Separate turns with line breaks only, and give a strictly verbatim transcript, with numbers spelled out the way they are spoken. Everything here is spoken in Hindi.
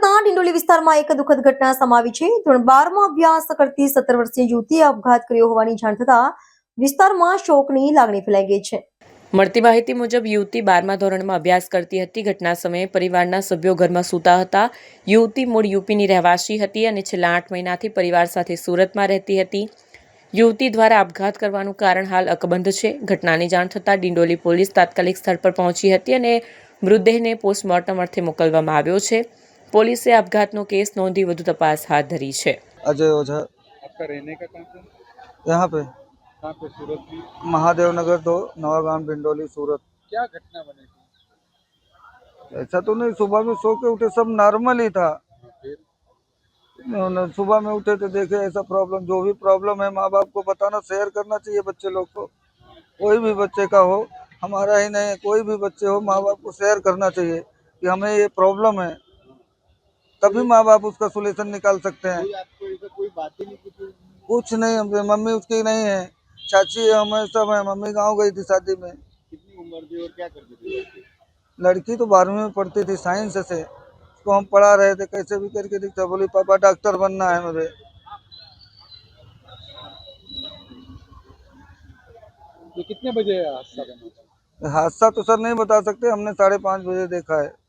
સુરતના ડિંડોલી વિસ્તારમાં એક દુઃખદ ઘટના સામે આવી છે। ધોરણ બારમાં અભ્યાસ કરતી સત્તર વર્ષીય યુવતીએ આપઘાત કર્યો હોવાની જાણ થતા વિસ્તારમાં શોકની લાગણી ફેલાઈ ગઈ છે।
મળતી માહિતી મુજબ યુવતી બારમા ધોરણમાં અભ્યાસ કરતી હતી। ઘટના સમયે પરિવારના સભ્યો ઘરમાં સૂતા હતા। યુવતી મૂળ યુપીની રહેવાસી હતી અને છેલ્લા આઠ મહિનાથી પરિવાર સાથે સુરતમાં રહેતી હતી। યુવતી દ્વારા આપઘાત કરવાનું કારણ હાલ અકબંધ છે। ઘટનાની જાણ થતાં ડિંડોલી પોલીસ તાત્કાલિક સ્થળ પર પહોંચી હતી અને મૃતદેહને પોસ્ટમોર્ટમ અર્થે મોકલવામાં આવ્યો છે। પોલીસે આપઘાતનો કેસ નોંધી વધુ તપાસ હાથ ધરી છે।
अजय ओझा।
आपका रहने का कहाँ पे?
यहाँ पे
कहाँ पे सूरत की?
महादेव नगर दो, नवागांव, डिंडोली, सूरत।
क्या घटना बनी थी?
ऐसा तो नहीं, सुबह में सो के उठे, सब नॉर्मल ही था।
फिर
न- सुबह में उठे तो देखे ऐसा प्रॉब्लम, जो भी प्रॉब्लम है माँ बाप को बताना, शेयर करना चाहिए बच्चे लोग को। कोई भी बच्चे का हो, हमारा ही नहीं, कोई भी बच्चे हो, माँ बाप को शेयर करना चाहिए कि हमें ये प्रॉब्लम है, तभी माँ बाप उसका सोल्यूशन निकाल सकते हैं।
कोई आपको ऐसा कोई बात ही नहीं की थी?
कुछ नहीं, हम- मम्मी उसकी नहीं है, चाची है, हमें सब है। मम्मी गाँव गई थी शादी में।
कितनी उम्र थी और क्या करती थी लड़की?
लड़की तो बारहवीं में पढ़ती थी, साइंस से। उसको हम पढ़ा रहे थे, कैसे भी करके दिखता, बोली पापा डॉक्टर बनना है मुझे।
ये कितने बजे हादसा बना था?
हादसा तो सर नहीं बता सकते, हमने साढ़े पाँच बजे देखा है।